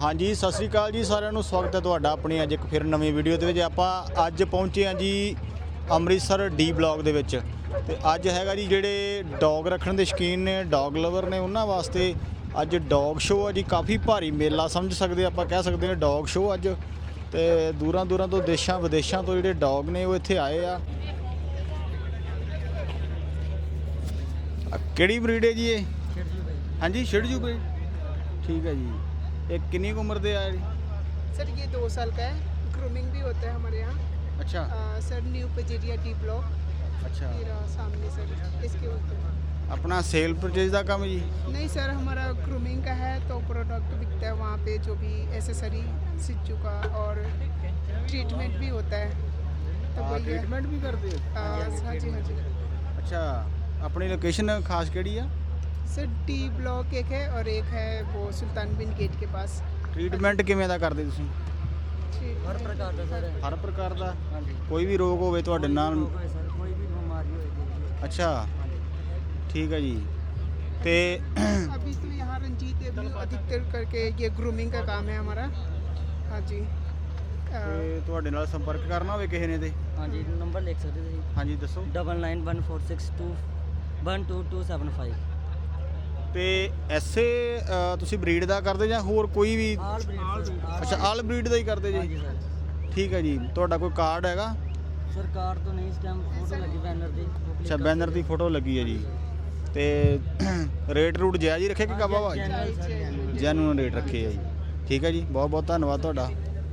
हाँ जी सत श्री अकाल जी सारिਆਂ ਨੂੰ ਸਵਾਗਤ ਹੈ ਤੁਹਾਡਾ ਆਪਣੀ ਅੱਜ ਇੱਕ ਫਿਰ ਨਵੀਂ ਵੀਡੀਓ ਦੇ ਵਿੱਚ। ਆਪਾਂ ਅੱਜ ਪਹੁੰਚੇ ਹਾਂ ਜੀ ਅੰਮ੍ਰਿਤਸਰ ਡੀ ਬਲਾਕ ਦੇ ਵਿੱਚ ਤੇ ਅੱਜ ਹੈਗਾ ਜੀ ਜਿਹੜੇ ਡੌਗ ਰੱਖਣ ਦੇ ਸ਼ੌਕੀਨ ਨੇ, ਡੌਗ ਲਵਰ ਨੇ, ਉਹਨਾਂ ਵਾਸਤੇ ਅੱਜ ਡੌਗ ਸ਼ੋਅ ਆ ਜੀ। ਕਾਫੀ ਭਾਰੀ ਮੇਲਾ ਸਮਝ ਸਕਦੇ ਆਪਾਂ, ਕਹਿ ਸਕਦੇ ਹਾਂ ਡੌਗ ਸ਼ੋਅ ਅੱਜ। ਤੇ ਦੂਰਾਂ ਦੂਰਾਂ ਤੋਂ ਦੇਸ਼ਾਂ ਵਿਦੇਸ਼ਾਂ ਤੋਂ ਜਿਹੜੇ ਡੌਗ ਨੇ ਉਹ ਇੱਥੇ ਆਏ ਆ। ਕਿਹੜੀ ਬਰੀਡ ਹੈ ਜੀ ਇਹ? ਹਾਂਜੀ शिडजू ब्रीड, ठीक है जी। एक कितनी उम्र दे आ रही सर? ये 2 साल का है। ग्रूमिंग भी होता है हमारे यहाँ। अच्छा सर न्यू पजेरिया डी ब्लॉक। अच्छा मेरा सामने सर इसके होते हैं। अपना सेल परचेज का काम है जी? नहीं सर, हमारा ग्रूमिंग का है तो प्रोडक्ट बिकता है वहाँ पे, जो भी एसेसरी शिजू का और ट्रीटमेंट भी होता है। तो वही है। ट्रीटमेंट भी करते हो? हाँ जी हाँ जी। अच्छा अपनी लोकेशन खास केड़ी है? सर डी ब्लॉक एक है और एक है वो सुल्तान बिन गेट के पास। ट्रीटमेंट किवें दा करदे तुसीं? हर प्रकार का सर। हर प्रकार दा? कोई भी रोग होवे तुहाडे नाल? कोई भी बीमारी हो। अच्छा ठीक है जी। ते अभी तो यहाँ रंजीत एवेन्यू अधिकतर करके ये ग्रूमिंग का काम है हमारा। हाँ जी। ਤੇ ਤੁਹਾਡੇ ਨਾਲ ਸੰਪਰਕ ਕਰਨਾ ਹੋਵੇ ਕਿਸੇ ਨੇ ਤੇ? ਹਾਂਜੀ ਨੰਬਰ ਲਿਖ ਸਕਦੇ ਤੁਸੀਂ। ਹਾਂਜੀ ਦੱਸੋ। 991462122275। ਤੇ ਐਸੇ ਤੁਸੀਂ ਬਰੀਡ ਦਾ ਕਰਦੇ ਜਾਂ ਹੋਰ ਕੋਈ ਵੀ? ਆਲ ਬਰੀਡ। ਅੱਛਾ ਆਲ ਬਰੀਡ ਦਾ ਹੀ ਕਰਦੇ ਹਾਂਜੀ ਜੀ? ਸਰ। ਠੀਕ ਹੈ ਜੀ। ਤੁਹਾਡਾ ਕੋਈ ਕਾਰਡ ਹੈਗਾ? ਸਰਕਾਰ ਤੋਂ ਨਹੀਂ, ਇਸ ਟਾਈਮ ਫੋਟੋ ਲੱਗੀ ਬੈਨਰ ਦੀ। ਅੱਛਾ ਬੈਨਰ ਦੀ ਫੋਟੋ ਲੱਗੀ ਹੈ ਜੀ। ਤੇ ਰੇਟ ਰੂਟ ਜਾਇਜ਼ ਹੀ ਰੱਖੇ ਕਿ ਕਾਬਾ ਵਾ? ਜੈਨੂਨ ਰੇਟ ਰੱਖੇ ਆ ਜੀ। ਠੀਕ ਹੈ ਜੀ, ਬਹੁਤ ਬਹੁਤ ਧੰਨਵਾਦ ਤੁਹਾਡਾ।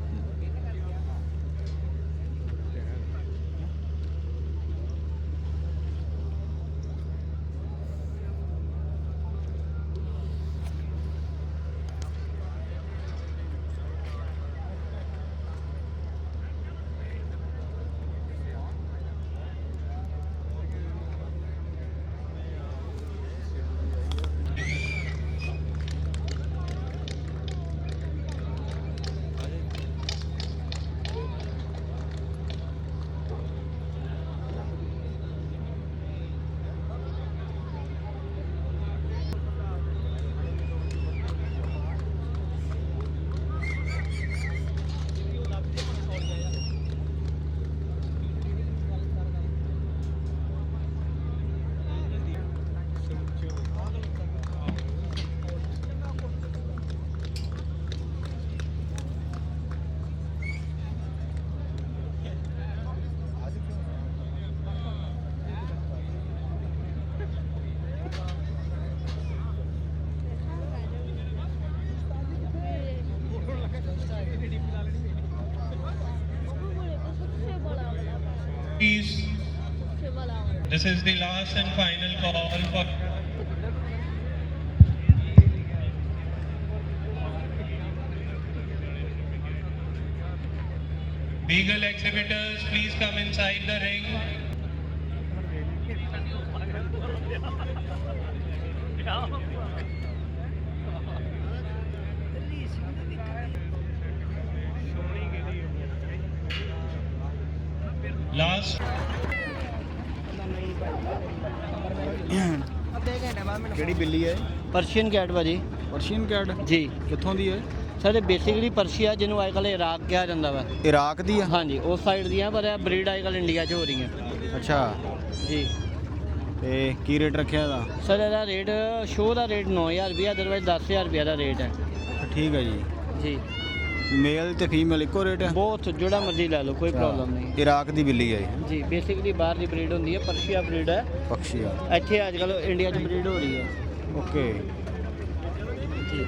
This is the last and final call for Beagle exhibitors. Please come inside the ring. Last. ਕਿਹੜੀ ਬਿੱਲੀ ਹੈ? ਪਰਸ਼ੀਅਨ ਕੈਟ ਭਾਜੀ। ਪਰਸ਼ੀਅਨ ਕੈਟ ਜੀ। ਕਿੱਥੋਂ ਦੀ ਹੈ? ਸਰ ਇਹ ਬੇਸਿਕਲੀ ਪਰਸ਼ੀਆ, ਜਿਹਨੂੰ ਅੱਜ ਕੱਲ੍ਹ ਇਰਾਕ ਕਿਹਾ ਜਾਂਦਾ ਵਾ। ਇਰਾਕ ਦੀ ਆ? ਹਾਂਜੀ ਉਸ ਸਾਈਡ ਦੀਆਂ, ਪਰ ਇਹ ਬਰੀਡ ਅੱਜ ਕੱਲ੍ਹ ਇੰਡੀਆ 'ਚ ਹੋ ਰਹੀਆਂ। ਅੱਛਾ ਜੀ। ਤੇ ਕੀ ਰੇਟ ਰੱਖਿਆ ਇਹਦਾ? ਸਰ ਇਹਦਾ ਰੇਟ ਸ਼ੋਅ ਦਾ ਰੇਟ 9000 ਰੁਪਇਆ, ਅਦਰਵਾਈਜ਼ 10000 ਰੁਪਇਆ ਦਾ ਰੇਟ ਹੈ। ਠੀਕ ਹੈ ਜੀ। ਜੀ। ਮੇਲ ਤੇ ਫੀਮੇਲ ਇੱਕੋ ਰੇਟ ਹੈ? ਬਹੁਤ ਜਿਹੜਾ ਮਰਜ਼ੀ ਲੈ ਲਓ, ਕੋਈ ਪ੍ਰੋਬਲਮ ਨਹੀਂ। ਇਰਾਕ ਦੀ ਬਿੱਲੀ ਹੈ ਇਹ? ਜੀ ਬੇਸਿਕਲੀ ਬਾਹਰ ਦੀ ਬਰੀਡ ਹੁੰਦੀ ਹੈ, ਪਰਸ਼ੀਆ ਬਰੀਡ ਹੈ। ਪਕਸ਼ੀ ਆ? ਇੱਥੇ ਅੱਜ ਕੱਲ੍ਹ ਇੰਡੀਆ 'ਚ ਬਰੀਡ ਹੋ ਰਹੀ ਹੈ। ਓਕੇ ਜੀ।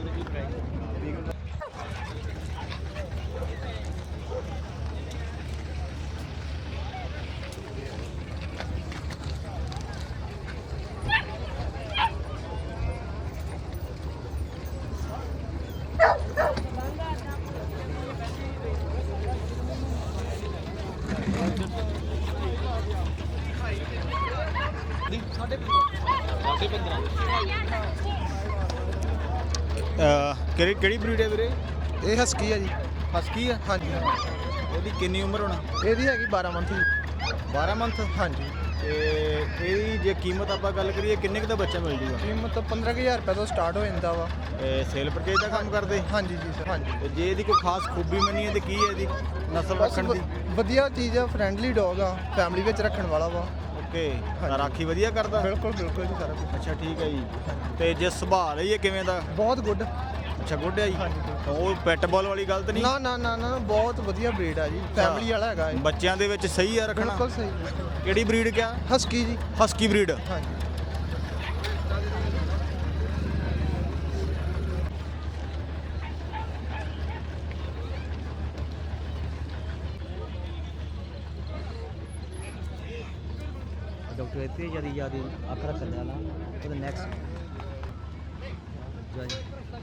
ਕਿਹੜੀ ਬਰੀਡ ਹੈ ਵੀਰੇ? ਇਹ ਹਸਕੀ ਆ ਜੀ। ਹਸਕੀ ਆ? ਹਾਂਜੀ। ਇਹਦੀ ਕਿੰਨੀ ਉਮਰ ਹੋਣਾ? ਇਹਦੀ ਹੈਗੀ 12 ਮੰਥ ਦੀ। 12 ਮੰਥ। ਹਾਂਜੀ। ਤੇ ਇਹਦੀ ਜੇ ਕੀਮਤ ਆਪਾਂ ਗੱਲ ਕਰੀਏ ਕਿੰਨੇ ਕੁ ਦਾ ਬੱਚਾ ਮਿਲ ਜੂਗਾ? ਕੀਮਤ 15,000 ਰੁਪਏ ਤੋਂ ਸਟਾਰਟ ਹੋ ਜਾਂਦਾ ਵਾ। ਸੇਲ ਪਰਚੇਜ ਦਾ ਕੰਮ ਕਰਦੇ? ਹਾਂਜੀ ਜੀ ਸਰ। ਹਾਂਜੀ। ਤੇ ਜੇ ਇਹਦੀ ਕੋਈ ਖਾਸ ਖੂਬੀ ਮੰਨੀਏ ਤੇ ਕੀ ਹੈ ਇਹਦੀ ਨਸਲ ਰੱਖਣ ਦੀ? ਵਧੀਆ ਚੀਜ਼ ਆ, ਫਰੈਂਡਲੀ ਡੌਗ ਆ, ਫੈਮਿਲੀ ਵਿੱਚ ਰੱਖਣ ਵਾਲਾ ਵਾ। ਓਕੇ। ਰਾਖੀ ਵਧੀਆ ਕਰਦਾ? ਬਿਲਕੁਲ ਬਿਲਕੁਲ ਜੀ ਸਾਰਾ ਕੁਝ। ਅੱਛਾ ਠੀਕ ਹੈ ਜੀ। ਤੇ ਜੇ ਸੁਭਾਅ ਲਈ ਇਹ ਕਿਵੇਂ ਦਾ? ਬਹੁਤ ਗੁੱਡ। ਅੱਛਾ ਗੁੱਡ ਹੈ ਜੀ। ਉਹ ਪੈਟਬਾਲ ਵਾਲੀ ਗੱਲ ਤਾਂ ਨਹੀਂ? ਨਾ ਨਾ ਨਾ ਨਾ, ਬਹੁਤ ਵਧੀਆ ਬਰੀਡ ਆ ਜੀ, ਫੈਮਿਲੀ ਵਾਲਾ ਹੈਗਾ ਇਹ। ਬੱਚਿਆਂ ਦੇ ਵਿੱਚ ਸਹੀ ਆ ਰੱਖਣਾ? ਬਿਲਕੁਲ ਸਹੀ। ਕਿਹੜੀ ਬਰੀਡ ਕਿਆ? ਹਸਕੀ ਜੀ। Husky breed. ਹਾਂਜੀ। ਡਾਕਟਰ ਇੱਥੇ ਜਿਆਦਾ ਯਾਦ ਅੱਖ ਰੱਖਣ ਵਾਲਾ ਉਹਦਾ next join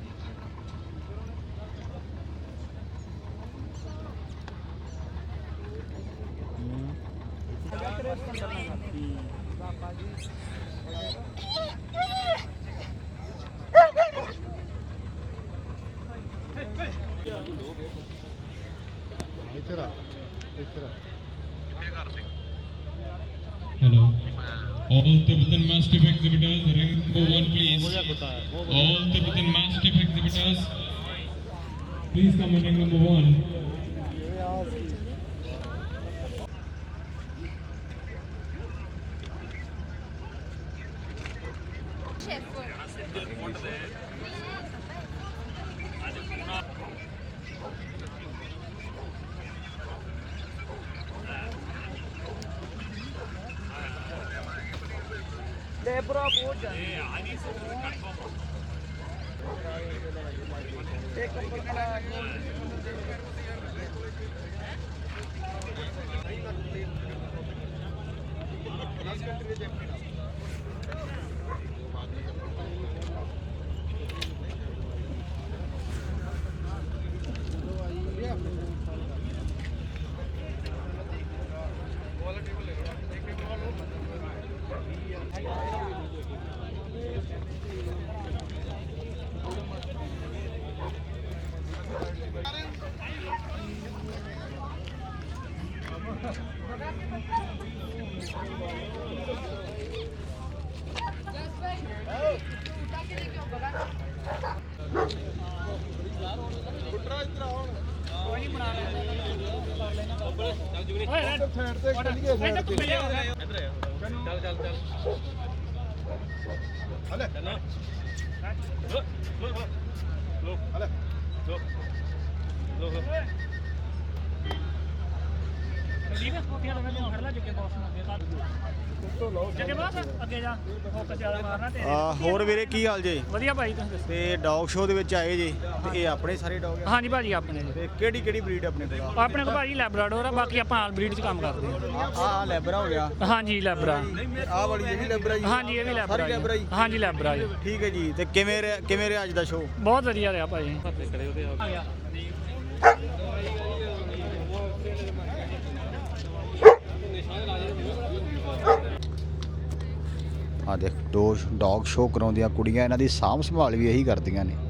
Hello. All Tibetan Mastiff exhibitors, ring number 1 please. All Tibetan Mastiff exhibitors, please come on ring number 1. ਹੋਰ ਵੀਰੇ ਕੀ ਹਾਲ ਜੇ? ਵਧੀਆ ਭਾਈ ਤੁਸੀਂ ਦੱਸੋ। ਤੇ ਡੌਗ ਸ਼ੋਅ ਦੇ ਵਿੱਚ ਆਏ ਜੇ ਤੇ ਇਹ ਆਪਣੇ ਸਾਰੇ ਡੌਗ ਆ? ਹਾਂਜੀ ਭਾਜੀ ਆਪਣੇ ਜੀ। ਤੇ ਕਿਹੜੀ ਕਿਹੜੀ ਬਰੀਡ ਆਪਣੇ ਕੋਲ? ਆਪਣੇ ਕੋਲ ਭਾਜੀ ਲੈਬਰਾਡੋਰ ਆ, ਬਾਕੀ ਆਪਾਂ ਆਲ ਬਰੀਡ 'ਚ ਕੰਮ ਕਰਦੇ ਆ ਲੈਬਰਾ ਹੋ ਗਿਆ? ਹਾਂ। ਹਾਂਜੀ ਲੈਬਰਾ। ਆਹ ਵਾਲੀ ਇਹ ਵੀ ਲੈਬਰਾ ਜੀ? ਹਾਂਜੀ ਇਹ ਵੀ ਲੈਬਰਾ ਸਾਰੀ ਲੈਬਰਾ ਜੀ? ਹਾਂਜੀ ਲੈਬਰਾ ਜੀ। ਠੀਕ ਹੈ ਜੀ। ਤੇ ਕਿਵੇਂ ਰਿਹਾ ਅੱਜ ਦਾ ਸ਼ੋਅ? ਬਹੁਤ ਵਧੀਆ ਰਿਹਾ ਭਾਜੀ। ਆ ਦੇਖ ਡੌਗ ਸ਼ੋਅ ਕਰਾਉਂਦੀਆਂ ਕੁੜੀਆਂ, ਇਹਨਾਂ ਦੀ ਸਾਂਭ ਸੰਭਾਲ ਵੀ ਇਹੀ ਕਰਦੀਆਂ ਨੇ।